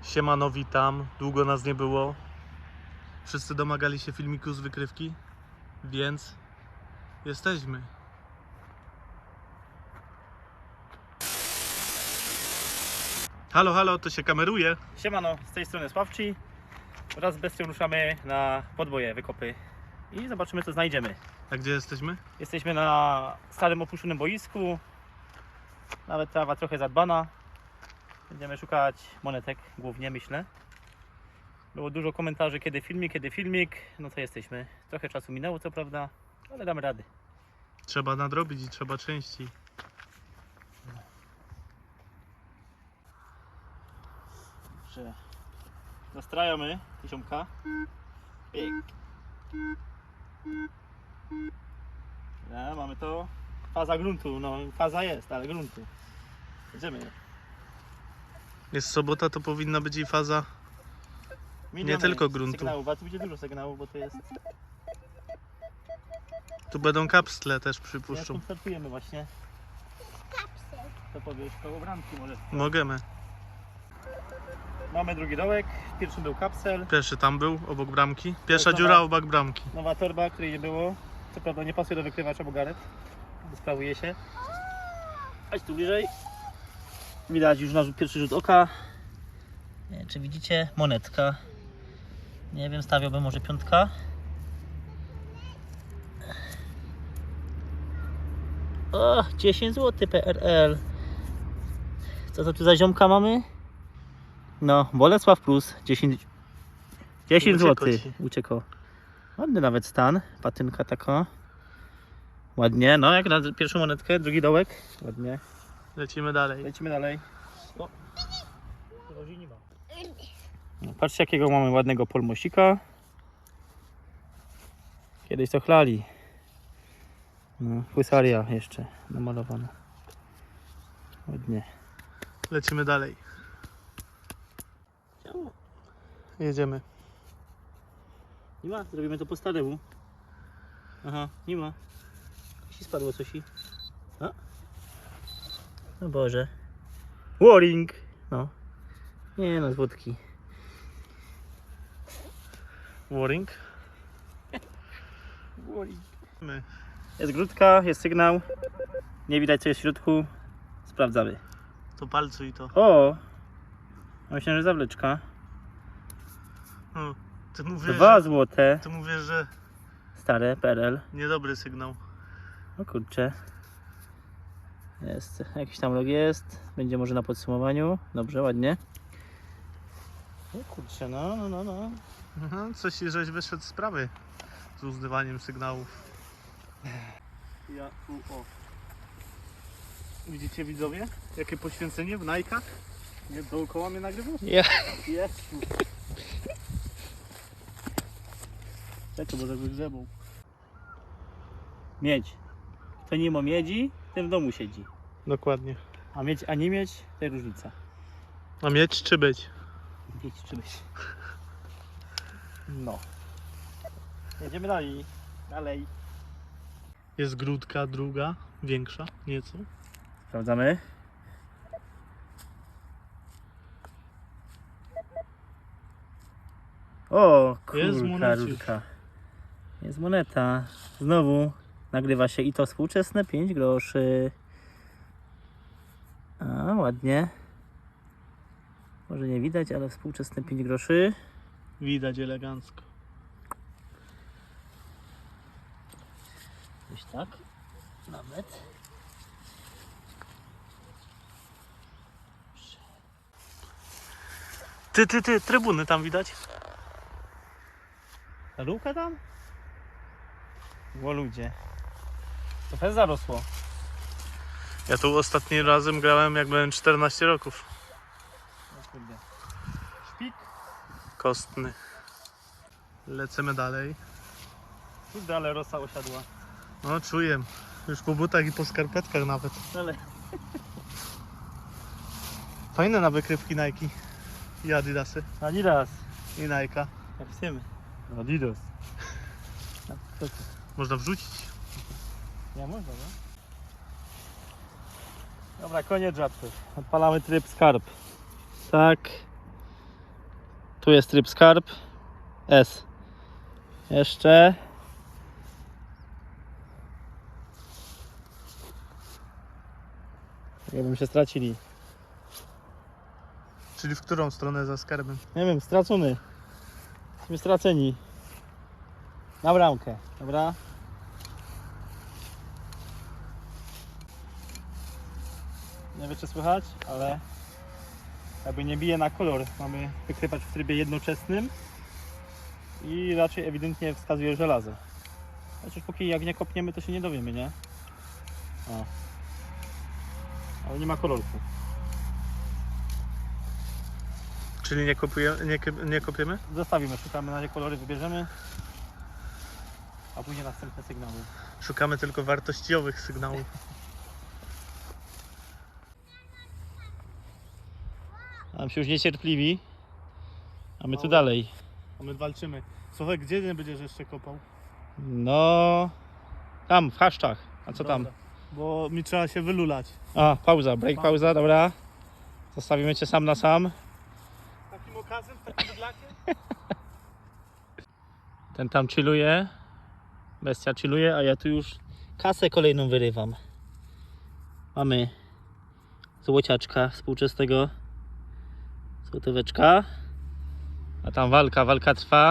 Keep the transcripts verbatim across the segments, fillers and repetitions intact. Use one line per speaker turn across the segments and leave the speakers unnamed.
Siemano, witam. Długo nas nie było. Wszyscy domagali się filmiku z wykrywki, więc jesteśmy. Halo, halo, to się kameruje.
Siemano, z tej strony Sławci. Wraz z bestią ruszamy na podboje, wykopy i zobaczymy, co znajdziemy.
A gdzie jesteśmy?
Jesteśmy na starym opuszczonym boisku. Nawet trawa trochę zadbana. Będziemy szukać monetek, głównie myślę. Było dużo komentarzy, kiedy filmik, kiedy filmik. No to jesteśmy. Trochę czasu minęło, co prawda, ale damy rady.
Trzeba nadrobić i trzeba częściej.
Że nastrajamy tysiąmka. Pyk. Ja, mamy to. Faza gruntu, no faza jest, ale gruntu. Jedziemy.
Jest sobota, to powinna być i faza.
Miliony
tylko gruntu.
Sygnałów, a tu będzie dużo sygnałów, bo to jest.
Tu będą kapsle też,
Jak
przypuszczą.
startujemy właśnie. To powiesz koło bramki może.
Możemy.
Mamy drugi dołek, pierwszy był kapsel.
Pierwszy tam był, obok bramki. Pierwsza
Dobra.
dziura obok bramki.
Nowa torba, której nie było. Co prawda nie pasuje do wykrywacza, bo garet. Sprawuje się. Chodź tu bliżej. Widać już nasz pierwszy rzut oka. Nie wiem, czy widzicie? Monetka. Nie wiem, stawiałbym może piątka. O, dziesięć złotych P R L. Co to tu za ziomka mamy? No, Bolesław Plus. dziesięć, dziesięć
Uciekło
złotych.
ci.
Uciekło. Ładny nawet stan. Patynka taka. Ładnie. No, jak na pierwszą monetkę, drugi dołek. Ładnie.
Lecimy dalej.
Lecimy dalej. O. No, patrzcie, jakiego mamy ładnego polmosika. Kiedyś to chlali. No, husaria jeszcze namalowana. Ładnie.
Lecimy dalej. Jedziemy.
Nie ma? Zrobimy to po staremu. Aha, nie ma. Ci spadło coś i... A? No Boże. Warring! No. Nie no, z wódki.
Warring.
Warring.
My.
Jest grudka, jest sygnał. Nie widać, co jest w środku. Sprawdzamy.
To palcuj to.
O! Myślę, że zawleczka.
Hmm. Ty mówisz,
Dwa
że,
złote.
ty mówisz, że
Stare P R L.
niedobry sygnał.
O kurczę. Jest, jakiś tam log jest. Będzie może na podsumowaniu. Dobrze, ładnie. O kurczę, no, no, no, no.
Mhm, coś żeś wyszedł z sprawy z uzdywaniem sygnałów.
Ja, u, o.
Widzicie, widzowie? Jakie poświęcenie w Nike'ach?
Nie dookoła mnie nagrywasz?
Ja.
Jest. Czekaj, bo tak wygrzebał. Miedź. Kto nie ma miedzi, ten w domu siedzi.
Dokładnie.
A mieć, a nie mieć, to jest różnica.
A mieć czy być?
Mieć czy być. No. Jedziemy dalej. Dalej.
Jest grudka druga, większa nieco.
Sprawdzamy. O,
Jest
kurka,
moneciusz.
rurka. Jest moneta. Znowu nagrywa się i to współczesne pięć groszy. A, ładnie. Może nie widać, ale współczesne pięć groszy.
Widać elegancko.
Gdzieś tak. Nawet.
Ty, ty, ty, trybuny tam widać?
Ta luka tam? Bo ludzie. Trochę zarosło.
Ja tu ostatnim razem grałem jak byłem czternaście roków.
O kurde. Szpik.
Kostny. Lecimy dalej.
Kurde, ale rosa osiadła.
No czuję. Już po butach i po skarpetkach nawet.
Ale
Fajne na wykrywki Nike. I Adidasy.
Adidas.
I Nike'a.
Jak chcemy. Adidas. No, to co?
Można wrzucić.
Nie można, no? Dobra, koniec żartów. Odpalamy tryb skarb. Tak. Tu jest tryb skarb. S. Jeszcze. Jakbym się stracili.
Czyli w którą stronę za skarbem?
Nie wiem, stracony. Jesteśmy straceni. Na bramkę, dobra? Nie wiem, czy słychać, ale jakby nie bije na kolor. Mamy wykrywać w trybie jednoczesnym i raczej ewidentnie wskazuje żelazo. Chociaż póki jak nie kopniemy, to się nie dowiemy, nie? O. Ale nie ma kolorku.
Czyli nie, kopuje, nie, kop- nie kopiemy?
Zostawimy, szukamy na razie kolory, wybierzemy, a później następne sygnały.
Szukamy tylko wartościowych sygnałów.
Nam się już niecierpliwi, a my tu
Mało.
dalej.
A my walczymy. Słuchaj, gdzie nie będziesz jeszcze kopał?
No, tam w chaszczach. A co tam?
Dobra, bo mi trzeba się wylulać.
A, pauza, break, pauza, dobra. Zostawimy cię sam na sam.
Takim okazem, takim bydlakiem?
Ten tam chilluje. Bestia chilluje, a ja tu już kasę kolejną wyrywam. Mamy złociaczka współczesnego. Złotóweczka. A tam walka, walka trwa.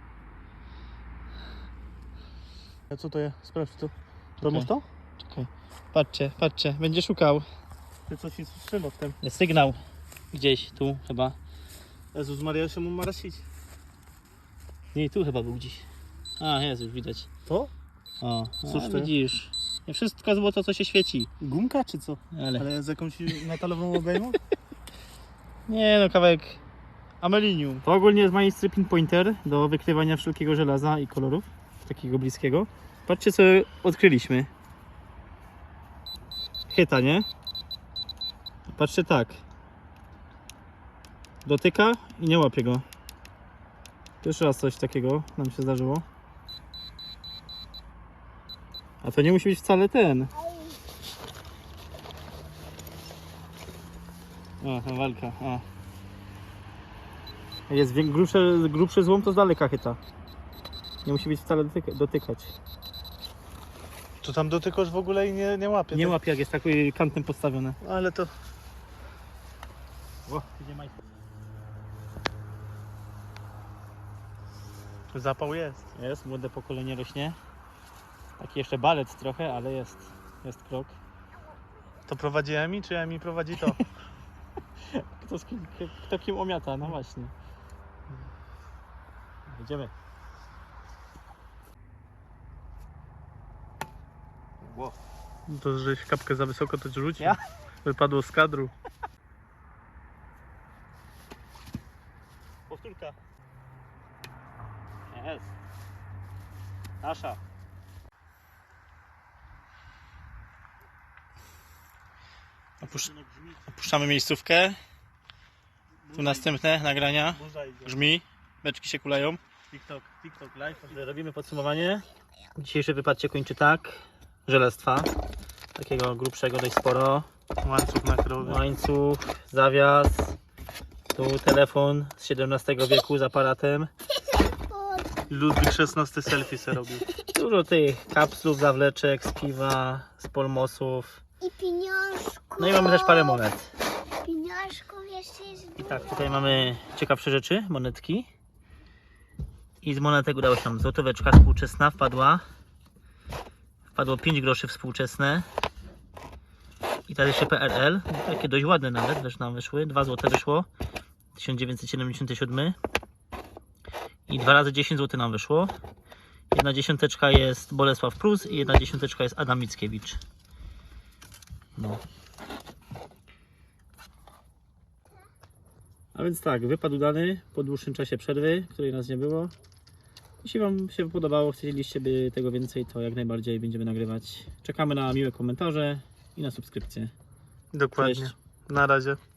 A co to jest? Sprawdź to. Robisz to?
Czekaj. Patrzcie, patrzcie, będzie szukał.
Ty coś mi strzela w tym.
Jest sygnał. Gdzieś tu chyba.
Jezus Maria, się mu marasić.
Nie, tu chyba był gdzieś. A, jest już widać.
To?
O,
Cóż
a,
to?
widzisz. Nie wszystko złoto, co się świeci.
Gumka czy co?
Ale...
Ale z jakąś metalową obejmą?
Nie no, kawałek amelinium. To ogólnie jest majstry pinpointer do wykrywania wszelkiego żelaza i kolorów. Takiego bliskiego. Patrzcie, co odkryliśmy. Chyta, nie? Patrzcie tak. Dotyka i nie łapie go. Pierwszy raz coś takiego nam się zdarzyło. A to nie musi być wcale ten. O, ta walka. O. Jak jest wiek- grubszy, grubszy złom, to z daleka chyta. Nie musi być wcale dotyka, dotykać.
To tam dotykasz w ogóle i nie, nie łapie.
Nie
tak?
łapie, jak jest takim kantem postawione.
Ale to...
O, idzie majster.
Zapał jest.
Jest, młode pokolenie rośnie. Taki jeszcze balet trochę, ale jest. Jest krok.
To prowadzi Emi, czy Emi prowadzi to?
Kto, z kim, kto kim omiata, no właśnie. Idziemy. Wow.
To, żeś kapkę za wysoko to rzucił.
Ja?
Wypadło z kadru.
Powtórka. Jest. Nasza. Opusz... Opuszczamy miejscówkę. Tu następne nagrania.
Burza idzie.
Grzmi. Beczki się kulają.
TikTok, TikTok live.
Robimy podsumowanie. Dzisiejszy wypad się kończy tak. Żelestwa. Takiego grubszego dość sporo.
Łańcuch na krowie.
Łańcuch, zawias. Tu telefon z siedemnastego wieku z aparatem.
Ludwik szesnasty selfie se robił.
Dużo tych kapslów, zawleczek z piwa, z polmosów.
I pieniążków.
No i mamy też parę monet.
Pieniążków jeszcze jest
I tak, tutaj mamy ciekawsze rzeczy, monetki. I z monetek udało się nam złotóweczka współczesna wpadła. Wpadło pięć groszy współczesne. I teraz jeszcze P R L, takie dość ładne nawet, też nam wyszły. dwa złote wyszło, tysiąc dziewięćset siedemdziesiąty siódmy. I dwa razy dziesięć złotych nam wyszło. Jedna dziesiąteczka jest Bolesław Prus i jedna dziesiąteczka jest Adam Mickiewicz. No. A więc tak, wypad udany po dłuższym czasie przerwy, której nas nie było. Jeśli Wam się podobało, chcieliście by tego więcej, to jak najbardziej będziemy nagrywać. Czekamy na miłe komentarze i na subskrypcję.
Dokładnie.
Cześć.
Na razie.